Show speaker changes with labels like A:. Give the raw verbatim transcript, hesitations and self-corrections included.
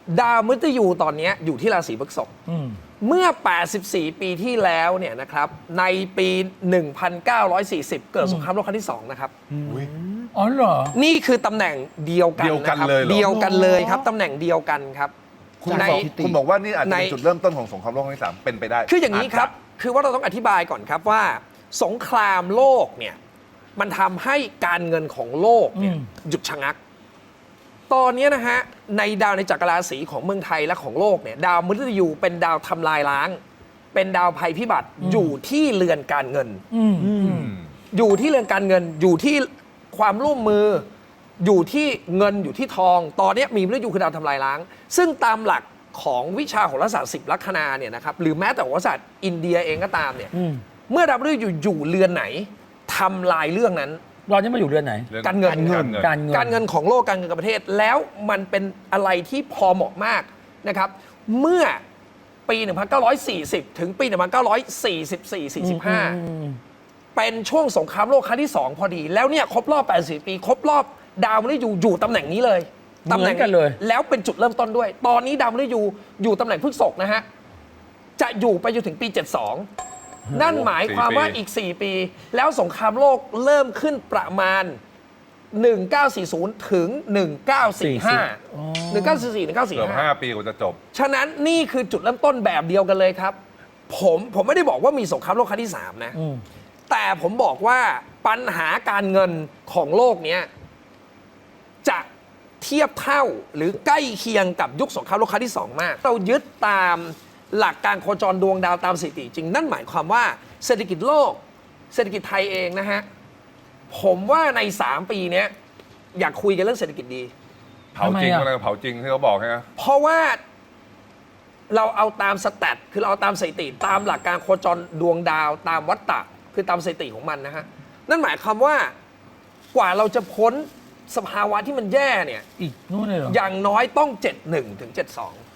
A: ดาวมฤตยูตอนนี้อยู่ที่ราศีพฤษภเมื่อ แปดสิบสี่ ปีที่แล้วเนี่ยนะครับในปี หนึ่งพันเก้าร้อยสี่สิบ เกิดสงครามโลกครั้งที่สองนะครับ
B: อ๋อเหรอ
A: นี่คือตำแหน่งเดียวกัน
C: เดียวกัน
A: นะครับ
C: เลยเหรอ
A: เดียวกันเลยครับตำแหน่งเดียวกันครับ
C: คุณ
A: ใน
C: บอกคุณบอกว่านี่อาจจะเป็น
A: ใน
C: จุดเริ่มต้นของสงครามโลกครั้งที่สามเป็นไปได้
A: คืออย่างนี้ครับ
C: จจะ
A: คือว่าเราต้องอธิบายก่อนครับว่า สงครามโลกเนี่ยมันทำให้การเงินของโลกเนี่ย
B: อืม
A: หยุดชะงัก ตอนนี้นะฮะในดาวในจักรราศีของเมืองไทยและของโลกเนี่ยดาวมฤตยูเป็นดาวทำลายล้าง เป็นดาวภัยพิบัติอยู่ที่เรือนการเงิน
B: อืม
C: อืม
A: อยู่ที่เรือนการเงินอยู่ที่ความร่วมมือ อยู่ที่เงินอยู่ที่ทอง ตอนนี้มีมฤตยูคือดาวทำลายล้าง ซึ่งตามหลักของวิชาโหราศาสตร์สิบลัคนาเนี่ยนะครับหรือแม้แต่โหราศาสตร์อินเดียเองก็ตามเนี่ย
B: อืม
A: เมื่อดาวมฤตยูอยู่เรือนไหนทำลายเรื่องนั้น
B: เราจะมาอยู่เรือนไหน
C: เรื่อง
A: การเงิน
C: การเงิน
B: การเงิน
A: การเงินของโลกการเงินกับประเทศแล้วมันเป็นอะไรที่พอเหมาะมากนะครับ เมื่อปี หนึ่งพันเก้าร้อยสี่สิบ ถึงปี หนึ่งพันเก้าร้อยสี่สิบสี่ สี่สิบห้า เป็นช่วงสงครามโลกครั้งที่ สอง พอดี แล้วเนี่ยครบรอบ แปดสิบ ปี ครบรอบดาวมฤตยูอยู่ตำแหน่งนี้เลยตำแหน่ง
B: เหมือนกันเลย
A: แล้วเป็นจุดเริ่มต้นด้วย ตอนนี้ดาวมฤตยูอยู่ตำแหน่งพฤษภนะฮะจะอยู่ไปจนถึงปี เจ็ดสิบสอง นั่นหมายความว่าอีก สี่ ปี แล้วสงครามโลกเริ่มขึ้นประมาณ หนึ่งพันเก้าร้อยสี่สิบ ถึง หนึ่งพันเก้าร้อยสี่สิบห้า หนึ่งพันเก้าร้อยสี่สิบสี่ หนึ่งพันเก้าร้อยสี่
C: เกื
A: สิ
C: อบบ
A: ห้า
C: ห้าปีกว่าจะจบ
A: ฉะนั้นนี่คือจุดเริ่มต้นแบบเดียวกันเลยครับ ผมผมไม่ได้บอกว่ามีสงครามโลกครั้งที่ สาม นะ
B: อืม
A: แต่ผมบอกว่าปัญหาการเงินของโลกเนี้ยจะเทียบเท่าหรือใกล้เคียงกับยุคสงครามโลกครั้งที่ สอง มาก เรายึดตามหลักการโคจรดวงดาวตามสถิติจริง นั่นหมายความว่าเศรษฐกิจโลก เศรษฐกิจไทยเองนะฮะ ผมว่าใน สาม ปีเนี้ยอยากคุยกันเรื่องเศรษฐกิจดี
C: เผาจริง
B: ทำไมอะ
C: อะไรเผาจริงที่เขาบอกใช่ไหม
A: เพราะว่าเราเอาตามสแตทคือเราเอาตามสถิติตามหลักการโคจรดวงดาวตามวัฏฏะคือตามสถิติของมันนะฮะ นั่นหมายความว่ากว่าเราจะพ้นสภาวะที่มันแย่เนี่ย
B: อีกนู่นเลยเหรอ
A: อย่างน้อยต้อง เจ็ดสิบเอ็ด ถึง เจ็ดสิบสอง